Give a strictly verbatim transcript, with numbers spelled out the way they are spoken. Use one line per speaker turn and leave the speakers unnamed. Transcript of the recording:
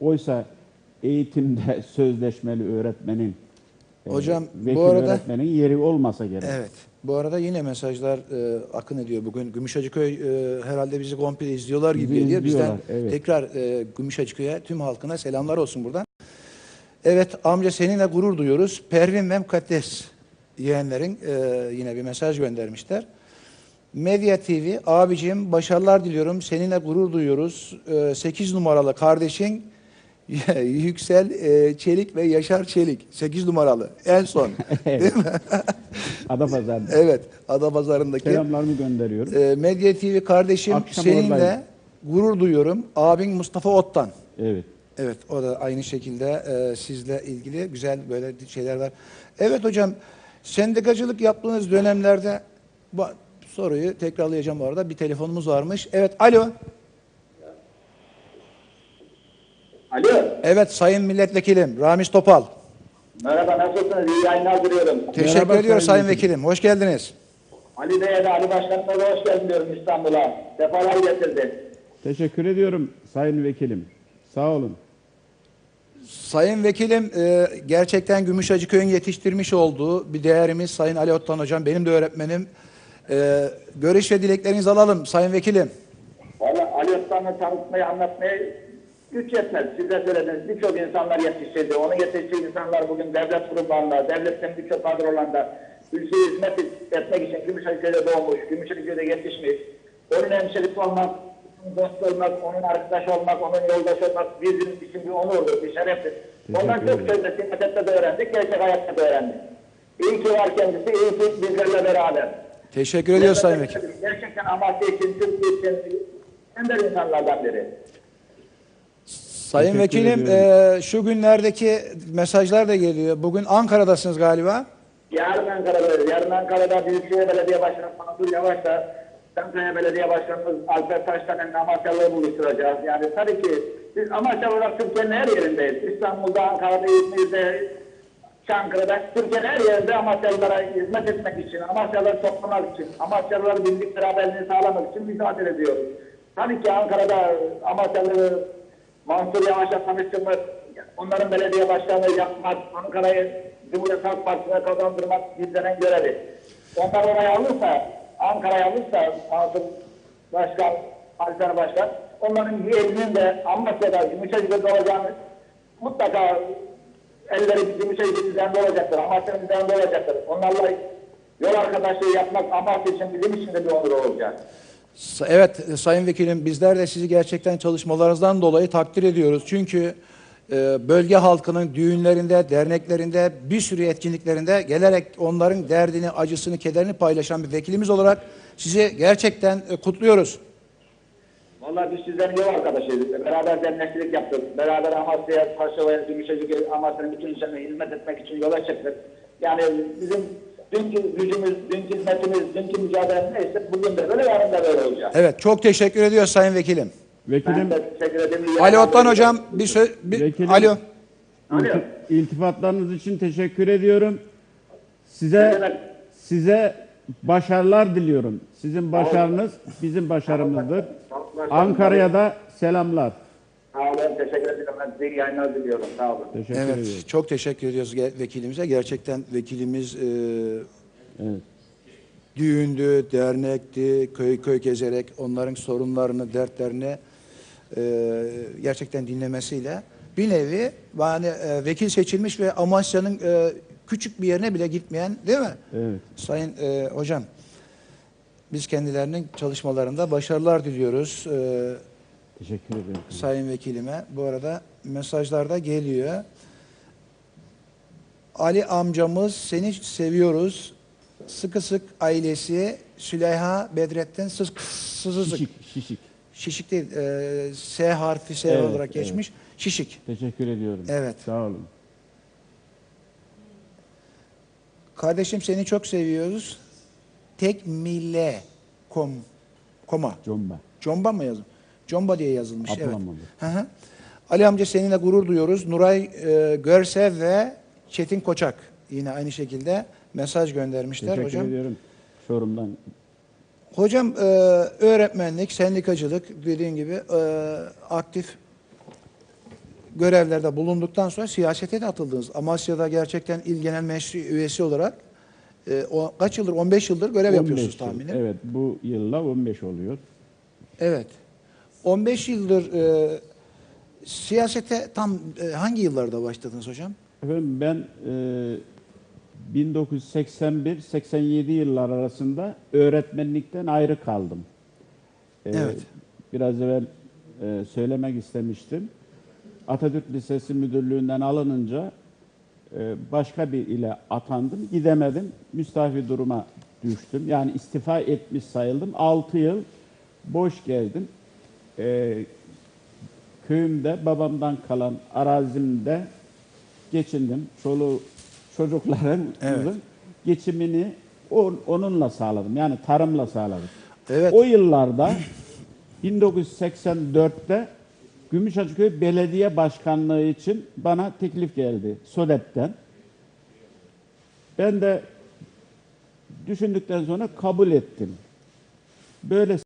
Oysa eğitimde sözleşmeli öğretmenin,
Hocam,
e, vekil
bu arada,
öğretmenin yeri olmasa gerek.
evet. Bu arada yine mesajlar e, akın ediyor bugün. Gümüşhacıköy e, herhalde bizi komple izliyorlar gibi
Bizi
geliyor. Bizden
izliyorlar, evet.
tekrar e, Gümüşhacıköy'e, tüm halkına selamlar olsun buradan. Evet amca, seninle gurur duyuyoruz. Pervin ve Mukaddes yeğenlerin e, yine bir mesaj göndermişler. Medya T V, abicim başarılar diliyorum. Seninle gurur duyuyoruz. E, sekiz numaralı kardeşin Yüksel e, Çelik ve Yaşar Çelik. sekiz numaralı. En son. Değil mi?
Adapazarı'nda.
Evet. Adapazarı'ndaki.
Selamlarımı gönderiyorum.
E, Medya T V kardeşim,
Akşam
seninle
oradayım.
gurur duyuyorum. Abin Mustafa Ottan.
Evet.
Evet, o da aynı şekilde e, sizle ilgili güzel böyle şeyler var. Evet hocam, sendikacılık yaptığınız dönemlerde, bu soruyu tekrarlayacağım bu arada. Bir telefonumuz varmış. Evet, alo.
Alo.
Evet, sayın milletvekilim Ramiz Topal.
Merhaba, nasılsınız? İyi yayınlar diliyorum.
Teşekkür
Merhaba,
ediyoruz
sayın
sayın vekilim. Hoş geldiniz.
Ali Bey'e de Ali Başkanı'na da hoş geldin diyorum İstanbul'a. Defalar getirdi.
Teşekkür ediyorum sayın vekilim. Sağ olun.
Sayın vekilim, e, gerçekten Gümüşhacıköy'ün yetiştirmiş olduğu bir değerimiz Sayın Ali Ottan hocam. Benim de öğretmenim. E, görüş ve dileklerinizi alalım sayın vekilim.
Valla Ali Osman'ı tanıtmayı, anlatmayı güç yetmez. Siz de söylediniz. Birçok insanlar yetiştirdi. Onu yetiştirdiği insanlar bugün devlet kurumlarında, devletin birçok kadrolarında ülkeye hizmet etmek için Gümüşhacıköy'de doğmuş, Gümüşhacıköy'de yetişmiş. Onun hemşerisi olmak, onun dost olmak, onun arkadaş olmak, onun yoldaş olmak bizim için bir onurdur, bir şereftir. Ondan çok sözde siyaset de öğrendik, gerçek hayatta da öğrendik. İyi ki var kendisi, iyi ki bizlerle beraber.
Teşekkür ediyoruz sayın vekilim.
Gerçekten Amasya için, Türkiye için ender insanlardan biri.
Sayın
Teşekkür
vekilim, e, şu günlerdeki mesajlar da geliyor. Bugün Ankara'dasınız galiba.
Yarın Ankara'da, yarın Ankara'da Büyükşehir Belediye Başkanı Mansur Yavaş'la Çankaya Belediye Başkanımız Alper Taştan'ın Amasyalı'yı buluşturacağız. Yani tabii ki biz Amasyalı olarak Türkiye'nin her yerindeyiz. İstanbul'da, Ankara'da, İzmir'de, Çankırı'da, Türkiye'nin her yerinde Amasyalılara hizmet etmek için, Amasyalıları toplamak için, Amasyalıları birlik beraberliğini sağlamak için mücadele ediyoruz. Tabii ki Ankara'da Amasyalı Mansur Yavaş'la tanıştırmak, onların belediye başkanlığı yapmak, Ankara'yı Cumhuriyet Halk Partisi'ne kazandırmak bizlerin görevi. Onlar oraya alırsa, Ankara'ya alırsa Mansur Başkan, Alper Başkan, onların yerinin de Amasya'da, Gümüşhacıköy'de olacağını mutlaka elleri Gümüşhacıköy'ün üzerinde olacaktır, Amasya'nın üzerinde olacaktır. Onlarla yol arkadaşlığı yapmak Amasya için bizim için de bir onur olacak.
Evet sayın vekilim, bizler de sizi gerçekten çalışmalarınızdan dolayı takdir ediyoruz. Çünkü e, bölge halkının düğünlerinde, derneklerinde, bir sürü etkinliklerinde gelerek onların derdini, acısını, kederini paylaşan bir vekilimiz olarak sizi gerçekten e, kutluyoruz.
Vallahi biz sizlerin yol arkadaşıyız. Beraber dernekçilik yaptık. Beraber Amasya'ya, Taşova'ya, Gümüşhacıköy'e, Amasya'nın bütün insanına hizmet etmek için yola çıktık. Yani bizim dünkü gücümüz, dünkü hizmetimiz, dünkü mücadelemiz neyse bugün de böyle, yarın da böyle olacak.
Evet, çok teşekkür ediyoruz sayın vekilim.
Vekilim,
Ben de teşekkür ederim.
Ali Ottan hocam bir söz... Bir,
Vekilim.
alo.
Alo.
ilti- iltifatlarınız için teşekkür ediyorum. Size size başarılar diliyorum. Sizin başarınız bizim başarımızdır. Ankara'ya da selamlar.
Sağ olun, teşekkür ederim. Ben size iyi yayınlar diliyorum. Sağ olun.
Teşekkür
Evet,
ediyorum.
çok teşekkür ediyoruz ge- vekilimize. Gerçekten vekilimiz e,
Evet.
düğündü, dernekti, köy köy gezerek onların sorunlarını, dertlerini e, gerçekten dinlemesiyle bir nevi yani e, vekil seçilmiş ve Amasya'nın e, küçük bir yerine bile gitmeyen, değil mi?
Evet.
Sayın e, hocam, biz kendilerinin çalışmalarında başarılar diliyoruz. E,
Teşekkür ederim.
Sayın vekilime. Bu arada mesajlar da geliyor. Ali amcamız seni seviyoruz. Sıkı sık ailesi Süleyha Bedrettin Sık Sızızık.
Şişik, şişik.
Şişik değil. E, S harfi S
Evet,
olarak geçmiş. Şişik.
Teşekkür ediyorum.
Evet.
Sağ olun.
Kardeşim seni çok seviyoruz. Tek mille kom koma.
Comba.
Comba mı yazın? Comba diye yazılmış. Evet.
Abdülhamid.
Hı hı. Ali amca seninle gurur duyuyoruz. Nuray e, Görsev ve Çetin Koçak yine aynı şekilde mesaj göndermişler
Teşekkür
hocam.
ediyorum. Çorum'dan.
Hocam e, öğretmenlik, sendikacılık dediğin gibi e, aktif görevlerde bulunduktan sonra siyasete de atıldınız. Amasya'da gerçekten İl Genel Meclisi üyesi olarak e, o, kaç yıldır? on beş yıldır görev
on beş
yapıyorsunuz
yıl.
tahminim.
Evet, bu yılla on beş oluyor.
Evet. on beş yıldır e, siyasete tam e, hangi yıllarda başladınız hocam?
Efendim ben e, bin dokuz yüz seksen bir seksen yedi yıllar arasında öğretmenlikten ayrı kaldım. E,
Evet.
Biraz evvel e, söylemek istemiştim. Atatürk Lisesi Müdürlüğü'nden alınınca e, başka bir ile atandım. Gidemedim. Müstafi duruma düştüm. Yani istifa etmiş sayıldım. altı yıl boş geldim. E, köyümde babamdan kalan arazimde geçindim. Çoluğu çocukların
Evet.
geçimini on- onunla sağladım. Yani tarımla sağladım.
Evet.
O yıllarda bin dokuz yüz seksen dörtte Gümüşhacıköy Belediye Başkanlığı için bana teklif geldi SODEP'ten. Ben de düşündükten sonra kabul ettim. Böyle